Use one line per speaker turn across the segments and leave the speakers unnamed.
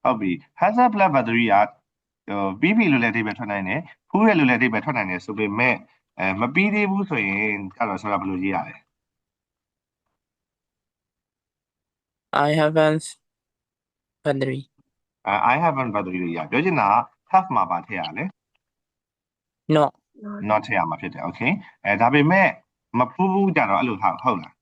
ဟုတ်ပြီ has a plus battery ကပြီးပြီလို့လည်းအဓိပ္ပာယ်ထွက်နိုင်တယ်ဖူးတယ်လို့လည်းအဓိပ္ပာယ်ထွက်နိုင်တယ်ဆိုပေမဲ့မပြီးသေးဘူးဆိုရင်အဲ့တော့ဆိုတာဘယ်လိုရေးရလဲ
I haven't battery
I haven't battery လို့ရပြောချင်တာ have မှာပါထည့်ရလဲ
not
not ထည့်ရမှာဖြစ်တယ် okay ဒါပေမဲ့မဖူးဘူးကြတော့အဲ့လိုဟုတ်လား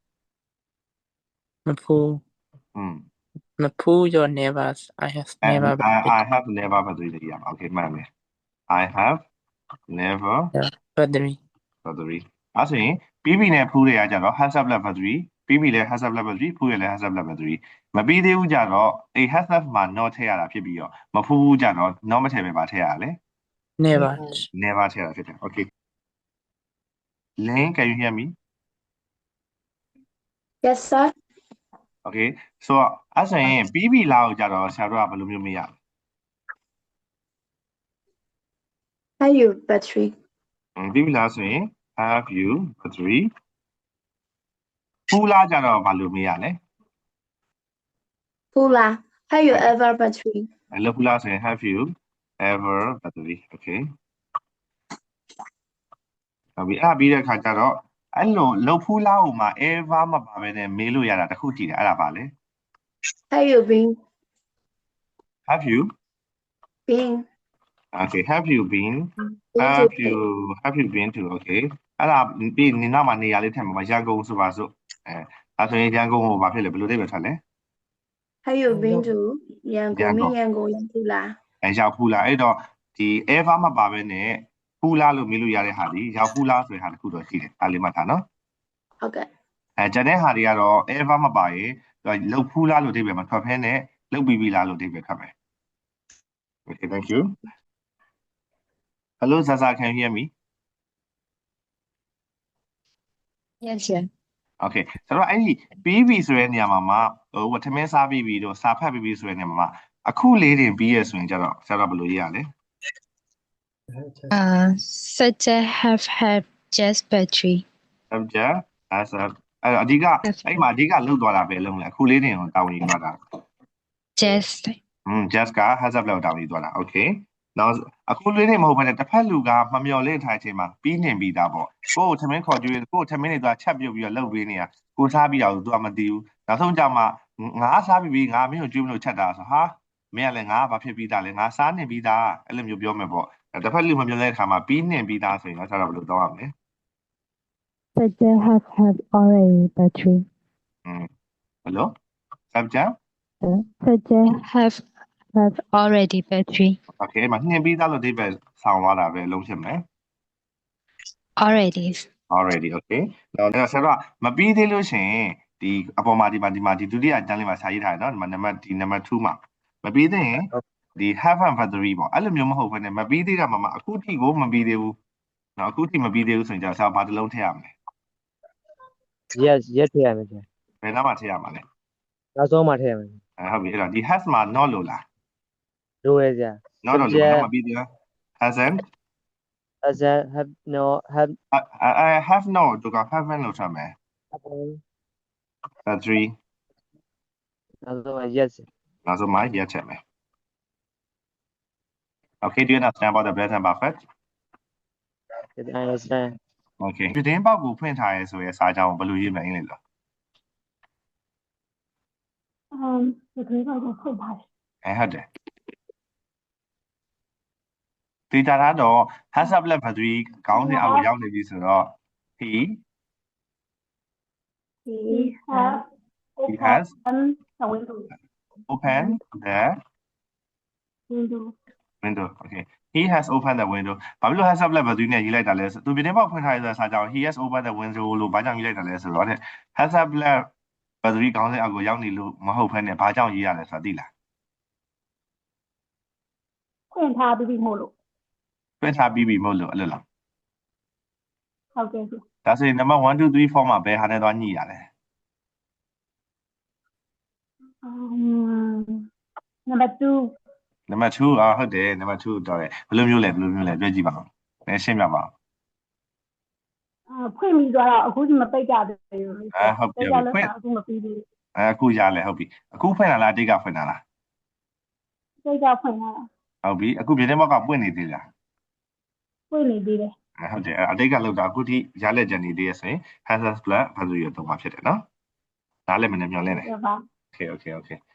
Mapu your never I have never
I have never battery လို့ရမှာ okay မှန်တယ် I have never
battery
အဲ့ဆိုရင်ပြီးပြီနဲ့ဖူးတွေကကြတော့ has a plus battery ပြီးပြီလဲ has a plus battery ဖူးရလဲ has a plus battery မပြီးသေးဘူးကြတော့အဲ့ has a မှာ not ထည့်ရတာဖြစ်ပြီးတော့မဖူးဘူးကြတော့ not မထည့်ပဲပါထည့်ရလဲ
never
ထည့်ရတာဖြစ်တယ် okay Lynn can you hear me
Yes, sir.
okay so အဲ့ဆိုရင်ပြီးပြီလားကိုကြတော့ဆရာတို့ကဘယ်လိုမျိုးမေးရလဲ
Have you battery?
ပြီးပြီလားဆိုရင် have you battery ဖူးလားကြတော့ဘာလို့မေးရလဲ
Pula. Have you ever battery?
အဲ့လိုဖူးလားဆိုရင် have you ever battery okay ဟုတ်ပြီအဲ့ပြီးတဲ့ခါကျတော့အဲ့လိုလှုပ်ဖူးလားဟိုမှာ ever မပါဘဲနဲ့မေးလို့ရတာတစ်ခုကြည့်တယ်အဲ့ဒါပါလေ
Have you been?
have you okay have you been to okay အဲ့ဒါပြီးနေနောက်မှာနေရာလေးထည့်မှာပါရန်ကုန်ဆိုပါစို့အဲ့ဆိုရင်ရန်ကုန်ကိုဘာဖြစ်လဲဘယ်လိုသိပဲထွက်လဲ
Have you been to Yangon Pula?
ရောက်ဖူးလားအဲ့တော့ဒီ ever မပါဘဲနဲ့ဖူးလားလို့မေးလို့ရတဲ့ဟာဒီရောက်ဖူးလားဆိုတဲ့ဟာတစ်ခုတော့ရှိတယ်အဲ့လေးမှတ်ထားနော်
ဟုတ်ကဲ့
ကျန်တဲ့ဟာတွေကတော့ ever မပါရင်လှုပ်ဖူးလားလို့အဓိပ္ပာယ်မထွက်ဖဲနဲ့လှုပ်ပြီးပြီလားလို့အဓိပ္ပာယ်ထွက်မယ် okay thank you hello Zaza can you hear me
Yes sir
okay ဆိုတော့အဲ့ဒီပြီးပြီဆိုတဲ့နေရာမှာဟိုထမင်းစားပြီးပြီတော့စာဖတ်ပြီးပြီဆိုတဲ့နေရာမှာအခုလေးတင်ပြီးရဆိုရင်ကျတော့ဆရာတော်ဘယ်လိုရေးရလဲ
such a have just battery
subject as a အဓိကအဲ့မှာအဓိကလှုပ်သွားတာပဲလုံးလဲအခုလေးတင်ကိုတာဝန်ယူသွားတာ
just
just က has a လောက်တာဝန်ယူသွားတာ okay နောက်အခုလေးတင်မဟုတ်ဘဲနဲ့တစ်ဖက်လူကမမျော်လင့်ထားတဲ့အချိန်မှာပြီးနေပြီးသားပေါ့ကိုယ်ထမင်းခေါ်ကြွေးကိုယ်ထမင်းတွေသွားချက်ပြုတ်ပြီးတော့လှုပ်ပေးနေတာကိုစားပြီးတော့ तू ကမသိဘူးနောက်ဆုံးကြမှာငါစားပြီးငါမင်းကိုကြွေးမလို့ချက်တာဆိုဟာမင်းကလည်းငါဘာဖြစ်ပြီးသားလဲငါစားနေပြီးသားအဲ့လိုမျိုးပြောမယ်ပေါ့တစ်ဖက်လူမမျော်လင့်တဲ့အခါမှာပြီးနေပြီးသားဆိုရင်တော့ဆရာတော်ဘယ်လိုတောင်းရမလဲ
such a have already battery
hello subject
such a have already battery
okay မှာနှင်ပြီးသားလို့ဒီပဲဆောင်းသွားတာပဲလုံးဖြစ်မယ်
already
okay နောက်ဆရာတော်မပြီးသေးလို့ရှင်ဒီအပေါ်မှာဒီဒုတိယအတန်းလေးမှာစာရေးထားတယ်နော်နံပါတ်2မှာမပြီးသေးရင်ဒီ have and battery ပေါ့အဲ့လိုမျိုးမဟုတ်ဘဲနဲ့မပြီးသေးတာမှအခုထိကိုမပြီးသေးဘူးနော်အခုထိမပြီးသေးဘူးဆိုရင်ကြာဆရာဘာတစ်လုံးထည့်ရမလဲ
yes ထည့်ရမယ်ဆရာ
ဘယ်နားမှာထည့်ရမှာလဲ
နောက်ဆုံးမှထည့်ရမယ်
ဟုတ်ပြီအဲ့တော့ဒီ has မှာ not လို့လား
လိုရဆရာ
not လို့မပြီးသေးဘူး hasn't
have no have
I have no သူက haven't လို့ထားမယ် battery
နောက်ဆုံး yes
နောက်ဆုံးမှာ yes ထည့်မယ် okay do you understand about the present perfect
yes I understand
okay ပြတင်းပေါက်ကိုဖွင့်ထားရဲဆိုရဲစာကြောင်းဘယ်လိုရေးမလဲအင်္ဂလိပ်လို
ပြတင်းပေါက်ကိုဖွင့်ထားတယ်
ဟုတ်တယ်ဒီတာတော့ has a plus battery ခေါင်းစဉ်အောက်ကိုရောက်နေပြီဆိုတော့ he has
the window
open the window okay he has opened the window ဘာဖြစ်လို့ has a plus battery နဲ့ရေးလိုက်တာလဲဆိုသူပြတင်းပေါက်ဖွင့်ထားရဲဆိုတဲ့စာကြောင်း he has opened the window လို့ဘာကြောင့်ရေးလိုက်တာလဲဆိုတော့ has a plus battery ခေါင်းစဉ်အောက်ကိုရောက်နေလို့မဟုတ်ဘဲနဲ့ဘာကြောင့်ရေးရလဲဆိုတာသိလား
ဖွင့်ထားပြီးမို့လို့
ဖွင့်ထားပြီးပြီမဟုတ်လို့အဲ့လိုလား
ဟုတ်ကဲ့
ဒါဆိုရင် number 1 2 3 4မှာဘယ်ဟာနဲ့သွားညှိရလဲ
number 2
ဟုတ်တယ် number 2တော့တယ်ဘယ်လိုမျိုးလဲပြောကြည့်ပါဦးရှင်းပြပါဦး
ဖွင့်ပြီးတော့အခုဒီမပိတ်ကြသေးဘူး
ဟုတ်ပြီဖွင့်
အခုမပြီးသေးဘူး
အခုရလဲဟုတ်ပြီအခုဖွင့်လာလားအတိတ်ကဖွင့်လာလား
စိတ်ကဖွင့်လာတာ
ဟုတ်ပြီအခုပြတင်းပေါက်ကပွင့်နေသေးလား
ပွင့်နေသေးတယ်
ဟုတ်တယ်အတိတ်ကလောက်တာအခုထိရလက်ကြံနေသေးရဆိုရင် hazard plus ဘာလို့ရတော့မှာဖြစ်တယ်နော်နားလည်မနေမျောလင်းတယ်
ဟုတ်ပါ
okay